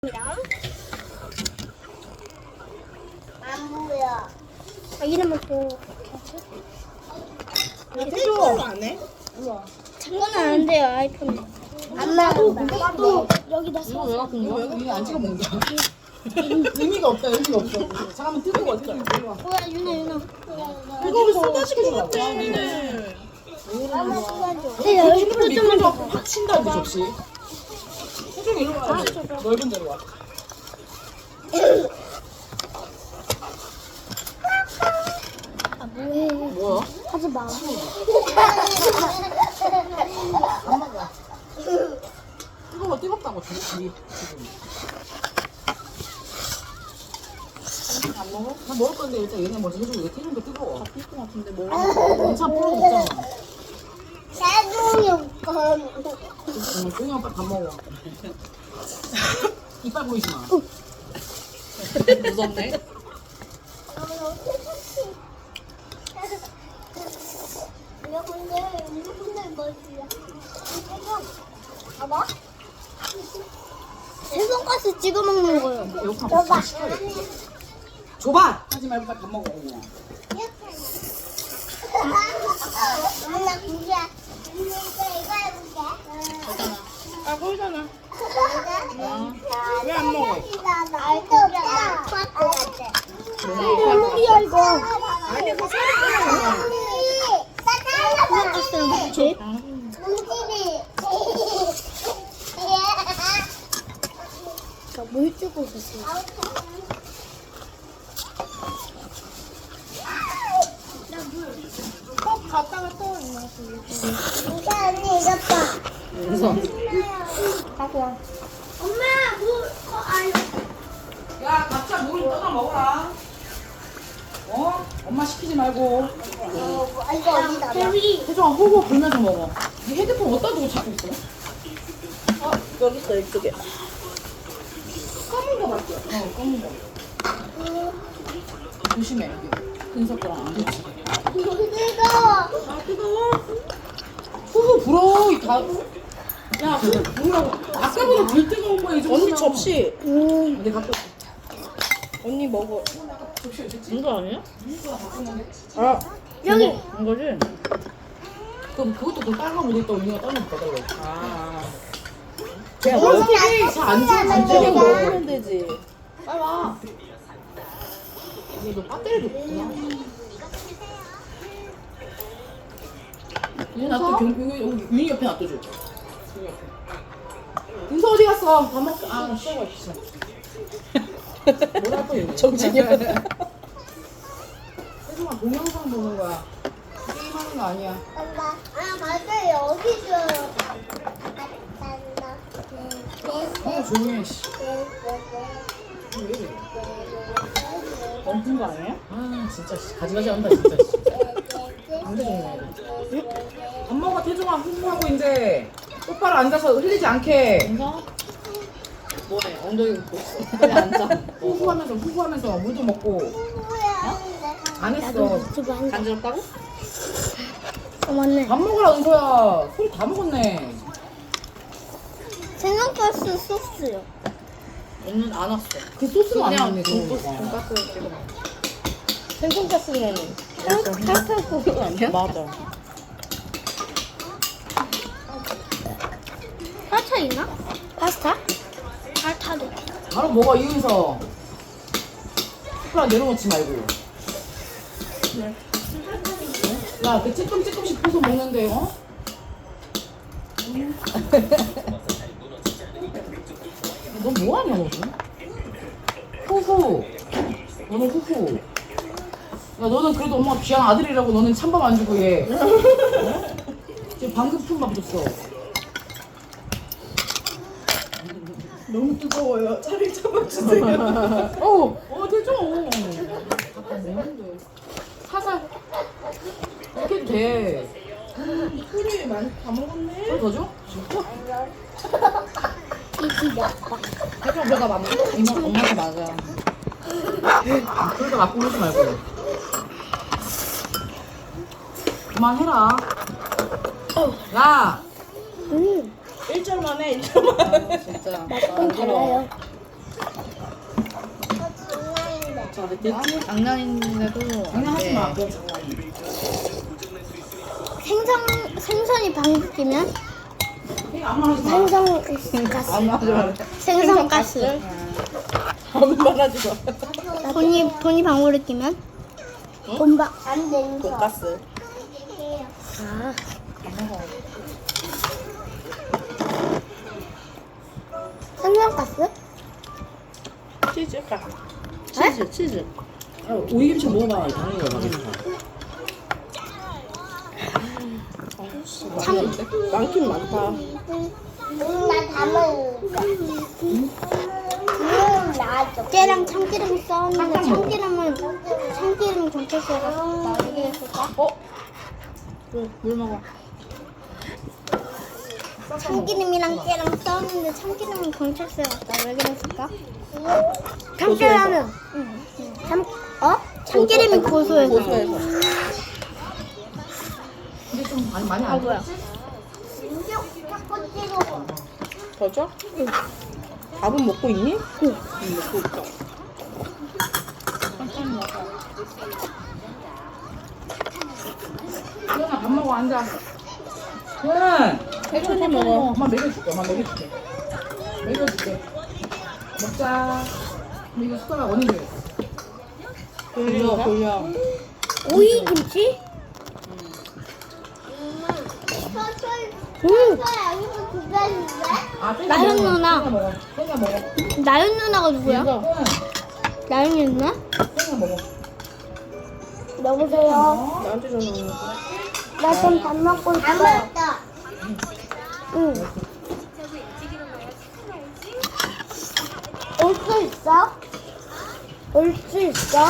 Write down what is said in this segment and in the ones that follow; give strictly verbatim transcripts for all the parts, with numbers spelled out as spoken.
안 보여. 아, 이름은 또 태조 안 해? 장난은 안 돼요 아이폰은. 엄마, 또 여기다 이거 써. 왜 갖고 온 거야? 이거 안 찍어 먹는 거야? 의미가 없다, 의미가 없어. 잠깐만 뜨거워, 뜨거워. 뭐야 유나 유나. 이거 왜 쏟아지게 쏟았대? 니네. 네 여기 또 좀만 더. 팍 친다, 이 접시. 태종이 이리 와. 넓은 데로 와. 아 뭐해? 뭐야? 하지 마. 뜨거워, 뜨겁다고, 저기, 지금. 안 먹어? 나 먹을 건데 일단 얘네 먼저 해주고 얘 태종도 뜨거워. 다 뜰 것 같은데 뭐? 원참 풀어 먹잖아. 나중에 거. 정말 조용히 오빠 밥 먹어. 이빨 보이지 마. 무섭네. 이거 근데 이거 근데 뭐지야? 봐봐. 세 손가락 찍어 먹는 거요. 욕하면 다 시켜야 돼. 줘봐! 하지 말고 빨리 밥 먹어. 그냥. 엄마 그게 이거 이거 해볼게. 아, 보이잖아. 왜 안 먹어? 알도 없다. 물이야 이거. 아니 그 손가락은 뭐지? 나물 주고 있었어. 꼭 갔다가 또 있나? 이거 언니 이것 봐. 우선. 갖고 와. 엄마 물 어, 아니. 야, 각자 물 떠다 먹어라. 어? 엄마 시키지 말고. 어, 이거 어디다 놔? 혜정아, 호흡 불면서 먹어. 네 헤드폰 어디다 두고 찾고 있어? 어, 여기 있어, 이쪽에. 검은 거 맞죠? 어, 검은 거. 조심해, 여기. 근석거랑 안 좋지. 뜨거워. 아, 뜨거워. 후후 불어, 이 다. 야, 후후 불으라고. 아까보다 덜 뜨거운 거야, 이 정도면. 언니 접시. 음. 내가 갖고 언니 먹어. 접시 어딨지? 이거 아니야? 아, 여기. 이거지? 그럼 그것도 그 빨간 옷 있다 언니가 따로 받아달라고. 아. 야, 얼굴이 잘안 줘, 안 이거 줘. 먹으면 되지. 빨리 와. 이거 배터리도 없구나. 얘 놔둬, 경, 여기, 여기 윤희 옆에 놔둬줘. 윤희 옆에. 윤서 어디 갔어? 밥 먹고. 아, 쉬어가 있어. 뭐랄 거야, 정진이. 혜정아, 동영상 보는 거야. 게임하는 거 아니야. 엄마. 아 맞아 여기 있어요. 어, 조용히 해, 씨. 왜 이래? 멈춘 거 아니에요? 아, 진짜, 씨. 가지가지 한다, 진짜, 씨. 안 되겠네. 엄마가 태종아 후후하고 이제 똑바로 앉아서 흘리지 않게 인사? 뭐해? 엉덩이 굽고 있어. 빨리 앉아. 후후하면서 후후하면서 물도 먹고 안 했어. 유튜브 한 거. 간지럽다고? 어 맞네. 밥 먹으라 은서야. 소리 다 먹었네. 생선가스 소스요. 언니는 안 왔어. 그 소스는 안 그냥 나왔네. 돈가스, 그거. 돈가스 찍어 먹어. 생선가스는 칼칼 소스 아니야? 맞아. 파스타 있나? 파스타? 파스타도. 바로 먹어 이은서. 숟가락 내려놓지 말고. 네. 야, 그 찔끔찔끔씩 부숴 먹는데 어? 너 뭐하냐 너는? 후후. 너는 후후. 야 너는 그래도 엄마 귀한 아들이라고 너는 찬밥 안 주고 얘. 어? 지금 방금 푼밥 줬어. 너무 뜨거워요. 차라리 잡아주세요. 어, 어 되죠. 잠깐 먹는데. 살살. 이렇게 해도 돼. 소리 많이 다 먹었네. 좀 더 줘? 이지 아빠. 해줘 내가 맞나? 이모 엄마한테 맞아. 그러다 갖고 오지 말고. 그만해라. 야. 음. 일 절만 해, 일 절만. 진짜. 맛은 달라요. 됐지? 장난인데도 장난하지 마. 네. 생선 생선이 방귀 끼면 이거 아무 말 하지 마. 생선 가스. 안 하지 마. 생선 가스. 아무 말 하지 마. 돈이 돈이 방울을 끼면 돈방 안 되는 거. 돈가스. 아. 생선 가스? 치즈 가. 치즈 치즈. 야, 오이김치 먹어봐. 당연히 맛있다. 참 많긴 많다. 나다 먹을까? 음, 나도. 깨랑 참기름 써왔는데 참기름은 참기름 경찰서에 가서 나오게 했을까? 어? 물, 물 먹어. 참기름이랑 깨랑 써왔는데 참기름은 경찰서에 갔다 왜 그랬을까? 참깨라면 응. 응. 참 어? 참기름이 고소해서. 고소해서. 근데 좀 많이 많이 아 안 뭐야? 자꾸 찍어. 더 줘? 응. 밥은 먹고 있니? 응. 응, 먹고 있다. 수연아 밥 먹어 앉아. 수연. 천천히 먹어. 엄마 먹여줄게. 엄마 먹여줄게. 먹여줄게. 먹자. 근데 이거 숟가락 어디 줘? 돌려, 돌려. 오이 김치? 음. 여기서 기다리는데? 아, 땡겨 나연 먹어. 누나. 땡겨 먹어. 땡겨 먹어. 나연 누나가 누구야? 수연. 나연 누나? 땡겨 먹어. 여보세요. 어? 나한테 전화 오는 거. 나 좀 밥 먹고 안 있어. 먹었다. 응. 올 수 있어? 올 수 있어?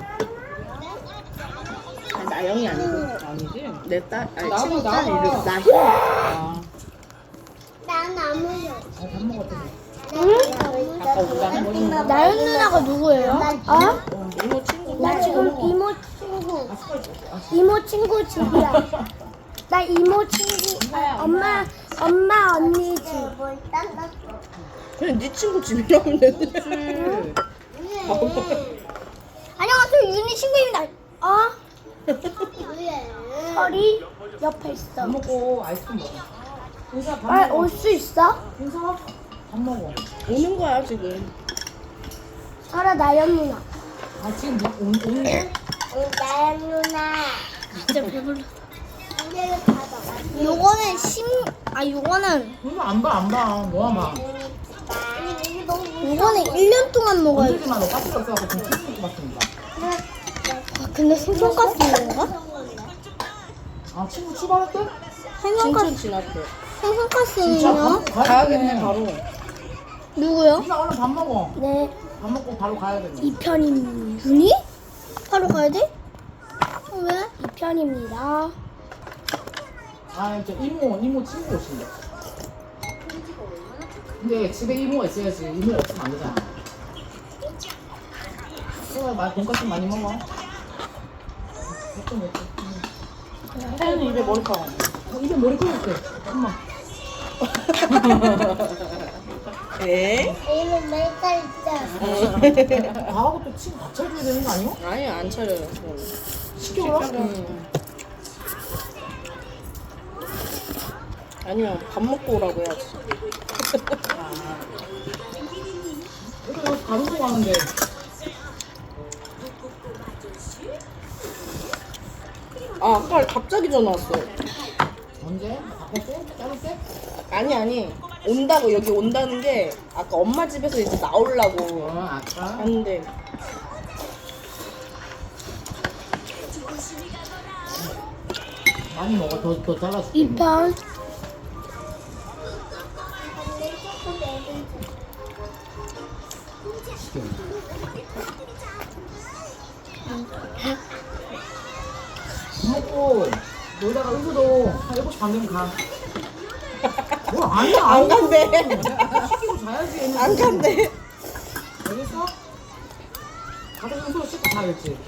아니, 나영이 아니고. 아니지? 내 딸, 아니, 나도, 친구 딸 나도. 이름. 나희. 아. 난안 먹어. 아, 밥 먹었대. 응? 아까 우리가 나연 누나가 누구예요? 어? 이모 친구. 나 지금 이모 친구. 이모 친구 집이야. 나 이모 친구. 아, 엄마 엄마 언니 집. 뭘 땄어? 그냥 네 친구 집이라면 되는데. 안녕하세요 윤희 친구입니다. 어? 왜? 설이 옆에 있어. 밥 먹고 아이스크림 먹어. 은서 밥 아, 먹어. 올 수 있어? 은서 밥 먹어. 오는 거야, 지금. 설아 나연 누나. 아, 지금 뭐, 온, 오는데? 나연 누나. 진짜 배불러. 이제를 받아. 요거는 심. 아 요거는 은서 안 봐, 안 봐. 뭐야, 막. 이게 너무 요거는 일 년 동안 먹어야 돼. 언제지만 너 가스가 없어갖고 지금 키스를 봤습니다. 아 근데 생선가스 있는가? 아, 친구 출발했대? 생선가스 진천 지났대. 생선가스는요? 가야겠네, 바로. 누구요? 은서 얼른 밥 먹어. 네. 밥 먹고 바로 가야겠네. 이 편입니다. 윤희? 바로 가야 돼? 어, 왜? 이 편입니다. 아, 저 이모, 이모 친구 오신대. 근데 집에 이모가 있어야지. 이모가 없으면 안 되잖아. 그래, 마- 돈까스 많이 먹어. 먹죠, 먹죠. 혜연이 입에 머리카락. 어, 입에 머리카락 있대. 엄마. 에? 이름 메이커 있잖아. 가하고 또 친구 밥 차려줘야 되는 거 아니야? 아니, 안 차려요. 시켜라. 응. 아니야, 밥 먹고 오라고 해야지. 그래, 여기서 가지고 가는데. 아, 아까 갑자기 전화 왔어. 언제? 바쁠 때? 자를 때? 아니, 아니. 온다고, 여기 온다는 게 아까 엄마 집에서 이제 나오려고 어, 아까. 하는데. 많이 먹어. 더, 더 잘라줄게. 이 편. 시켜. 밥 먹고 놀다가 은수도 한 일곱 시 반 되면 가. 뭐 아니야. 안 간대. 시키고 자야지. 얘는. 안 간대. 알겠어? 가서 은수 씻고 자야지.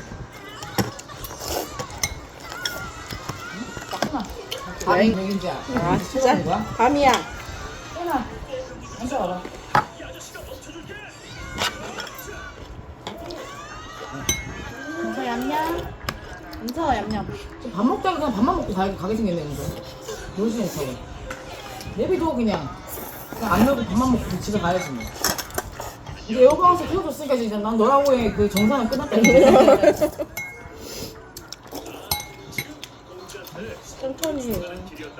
나 밤이 여행- 맥인지 알아? 아, 진짜? 거야? 밤이야. 깨나 앉아 와라. 쳐 얌얌. 밥 먹다가 그냥 밥만 먹고 가, 가게 생겼네 오늘. 놀지 못하고. 내비도 그냥 그냥 안 놀고 밥만 먹고 집에 가야지 뭐. 이제 에어컨에서 키워줬으니까 이제 난 너라고의 그 정상은 끝났다. 천천히 해.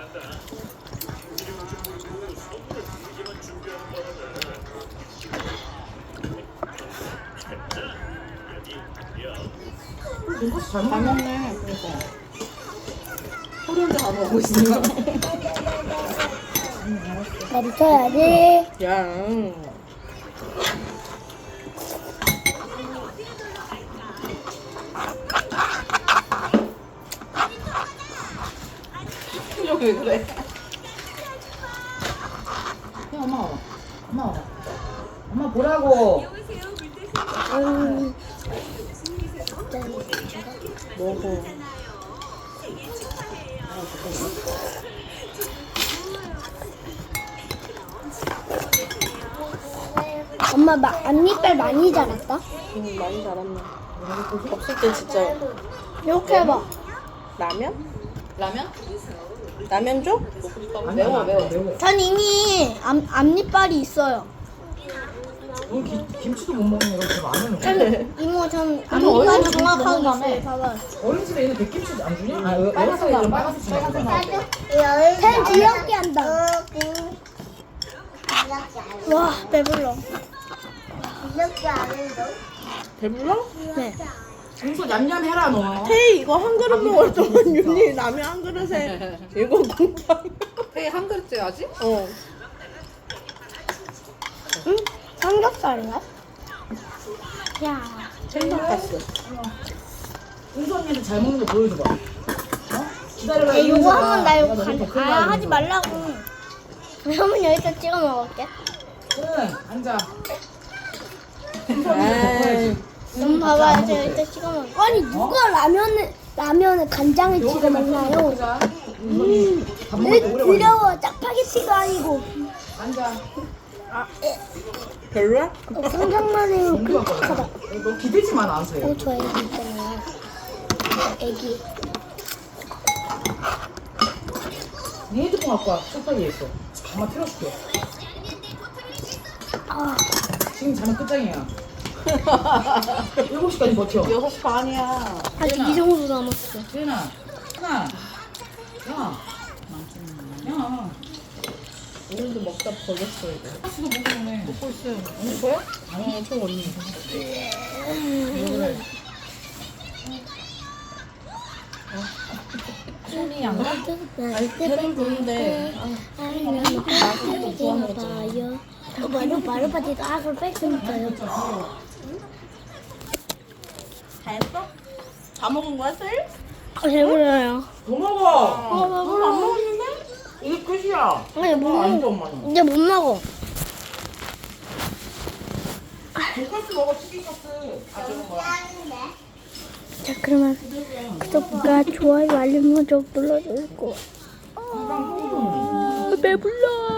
돈가스 잘 잘 먹네. 먹네. 그러니까. 소리 혼자 다 먹고 있어. 나도 쳐야지. 야. 표정이 왜 그래? 야, 엄마 와봐. 엄마 와봐. 엄마 보라고. 음, 먹어. 엄마 마, 앞니빨 많이 자랐다. 음, 많이 자랐네. 없을 때 진짜 이렇게 해봐. 라면? 라면? 라면 줘? 아니야, 매워 매워. 매워. 전 이미 앞, 앞니빨이 있어요. 넌 기, 김치도 못 먹는 애가 그렇게 많은 전, 거야. 이모 전 어린이집에서 앞니빨이 정확하게 먹는다며. 있어요. 봐봐. 어린 집에 있는 백김치 안 주냐? 아, 여- 여섯 살이랑 빨간색 주냐? 팬 귀엽게 한다. 와, 배불러. 이렇게 안 해도 배불러? 네. 윤서 냠냠 해라 너. 테이 이거 한 그릇 먹을 동안 윤이 라면 한 그릇에 일곱 공장. 회한 그릇째 아직? 어. 응? 삼겹살인가? 야. 생선가스. 윤서 언니한테 잘 먹는 거 보여줘봐. 어? 기다려봐. 야, 이거 윤서가. 한번 나 이거 내가 너한테 간, 큰일 아, 나는 하지 거. 말라고. 그러면 여기다 찍어 먹을게. 응, 앉아. 에이. 윤서 좀 봐봐요. 제가 여기다 찍어 먹을게. 아니, 누가 라면을, 라면을 간장에 찍어 먹나요? 먹자. 윤서이 밥 먹을 왜 때 오래 걸려. 두려워. 짜파게티가 아니고. 앉아. 별로야? 어, 상상만 해도 공부할 끔찍하다. 거야. 너 기대지 마 나한테. 어, 저 애기 있잖아요. 애기. 네 핸드폰 갖고 와. 소파 위에 있어. 엄마 틀어줄게. 아, 지금 자면 끝장이야. 일곱 시까지 버텨. 여섯 시 반이야. 아직 이 정도 남았어. 세나, 세나, 야, 야, 오늘도 먹다 버렸어 이거. 수도 먹으네. 먹고 있어요. 언니 거야? 아니 총 언니. 왜 그래? 손이 안 가? 아니, 배는 부른데. 봐요. 어, 바로 바로 바지도 아을 뺐으니까요. 다 했어? 다 먹은 거야 셀? 아, 배불러요. 더 먹어. 아, 안 배불러. 먹었는데? 이게 끝이야. 아니, 못 어, 아니지 먹어. 엄마는. 이제 못 먹어. 돈가스 먹어 치킨가스. 아 저거 뭐야? 자, 그러면 구독과 좋아요, 알림 설정 눌러주고. 아, 배불러.